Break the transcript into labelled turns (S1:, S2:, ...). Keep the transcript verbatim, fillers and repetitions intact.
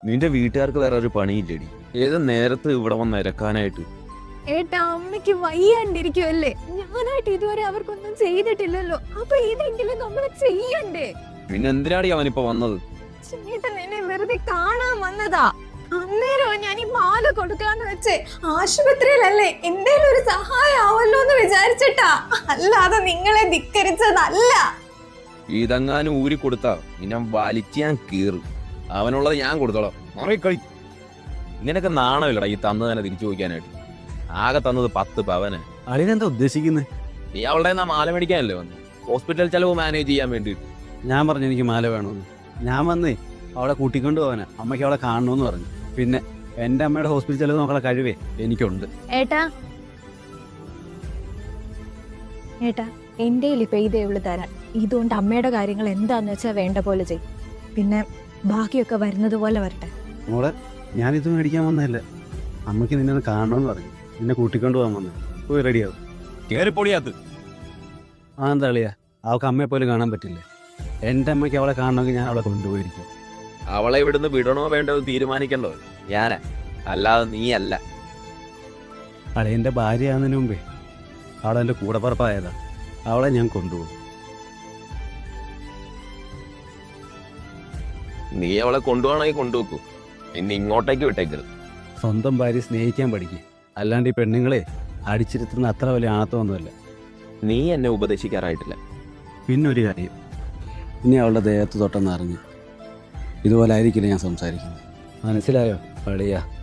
S1: നിന്റെ വീട്ടുകാർക്ക് വേറെ ഒരു പണിയില്ലടി. ഏത് നേരത്ത് ഇവിടെ വന്ന് ഇരക്കാനായിട്ട്.
S2: ഏട്ടാ, അമ്മയ്ക്ക് വയ്യാണ്ടിരിക്കുവല്ലേ. ഞാനായിട്ട് ഇതുവരെ അവർക്കൊന്നും ചെയ്തിട്ടില്ലല്ലോ. അപ്പൊ ഇതെങ്കിലും നമ്മൾ ചെയ്യണ്ടേ?
S1: പിന്നെ എന്തിനാടി അവനിപ്പോ വന്നത്?
S2: ചേട്ടൻ എന്നെ വെറുതെ കാണാൻ വന്നതാ. അന്നേരം ഞാൻ ഈ മാല കൊടുക്കാന്ന് വെച്ചേ ആശുപത്രിയിലല്ലേ, എന്തേലും ഒരു സഹായം ആവല്ലോ എന്ന് വിചാരിച്ചിട്ടാ, അല്ലാതെ നിങ്ങളെ ധിക്കരിച്ചതല്ല.
S1: ഇതെങ്ങാനും ഊരി കൊടുത്താ നിന്നെ വലിച്ച് ഞാൻ കീറും. അവനുള്ളത് ഞാൻ കൊടുത്തോളാം. മറിക്കളി. നിനക്ക് നാണമില്ലടാ ഈ തന്നു തന്നെ തിരിച്ചു ചോദിക്കാനായിട്ട്. ആകെ തന്നത് പത്ത് പവന്.
S3: അളിനെന്താ ഉദ്ദേശിക്കുന്നത്?
S1: നീ അവളുടെ നിന്നാ മാല മേടിക്കാനല്ലേ വന്നു? ഹോസ്പിറ്റൽ ചെലവ് മാനേജ് ചെയ്യാൻ വേണ്ടിയിട്ട്.
S3: ഞാൻ പറഞ്ഞു എനിക്ക് മാല വേണമെന്ന്. ഞാൻ വന്നേ അവളെ കൂട്ടിക്കൊണ്ട് പോകാനാ. അമ്മയ്ക്ക് അവളെ കാണണമെന്ന് പറഞ്ഞു. പിന്നെ എൻ്റെ അമ്മയുടെ ഹോസ്പിറ്റൽ ചെലവ് നോക്കാനുള്ള കഴിവേ എനിക്കുണ്ട്.
S2: ഏട്ടാ ഏട്ടാ എൻ്റെ ഇപ്പൊ ഇതേ ഉള്ളു തരാൻ. ഇതുകൊണ്ട് അമ്മയുടെ കാര്യങ്ങൾ എന്താന്ന് വെച്ചാൽ വേണ്ട പോലെ ചെയ്യും. പിന്നെ ബാക്കിയൊക്കെ വരുന്നത് പോലെ വരട്ടെ.
S3: മോളെ, ഞാനിത് മേടിക്കാൻ വന്നതല്ല. അമ്മയ്ക്ക് നിന്നെ ഒന്ന് കാണണമെന്ന് പറഞ്ഞു. നിന്നെ കൂട്ടിക്കൊണ്ട് പോകാൻ വന്നത്. പോയി റെഡിയാവും.
S1: കേറിപ്പൊളിയാത്ത്.
S3: ആ എന്താ അളിയാ, അവൾക്ക് അമ്മയെ പോലും കാണാൻ പറ്റില്ലേ? എൻ്റെ അമ്മയ്ക്ക് അവളെ കാണണമെങ്കിൽ ഞാൻ അവളെ കൊണ്ടുപോയിരിക്കും.
S1: അവളെ ഇവിടുന്ന് വിടണോ വേണ്ടോ തീരുമാനിക്കണ്ടോ ഞാനാ, അല്ലാതെ നീയല്ല.
S3: അളിയൻ്റെ ഭാര്യയാകുന്നതിന് മുമ്പേ അവളെൻ്റെ കൂടപ്പറപ്പായതാ. അവളെ ഞാൻ കൊണ്ടുപോകും.
S1: നീ അവളെ കൊണ്ടുപോകണമെങ്കിൽ കൊണ്ടുപോക്കൂ. ഇനി ഇങ്ങോട്ടേക്ക് വിട്ടേക്കരുത്.
S3: സ്വന്തം ഭാര്യ സ്നേഹിക്കാൻ പഠിക്കും. അല്ലാണ്ട് ഈ പെണ്ണുങ്ങളെ അടിച്ചിരുത്തുന്ന അത്ര വലിയ ആണത്വമൊന്നുമല്ല.
S1: നീ എന്നെ ഉപദേശിക്കാറായിട്ടില്ല.
S3: പിന്നൊരു കാര്യം, ഇനി അവളുടെ ദേഹത്ത് തൊട്ടെന്ന് അറിഞ്ഞ് ഇതുപോലെ ആയിരിക്കില്ല ഞാൻ സംസാരിക്കുന്നത്. മനസ്സിലായോ അളിയാ?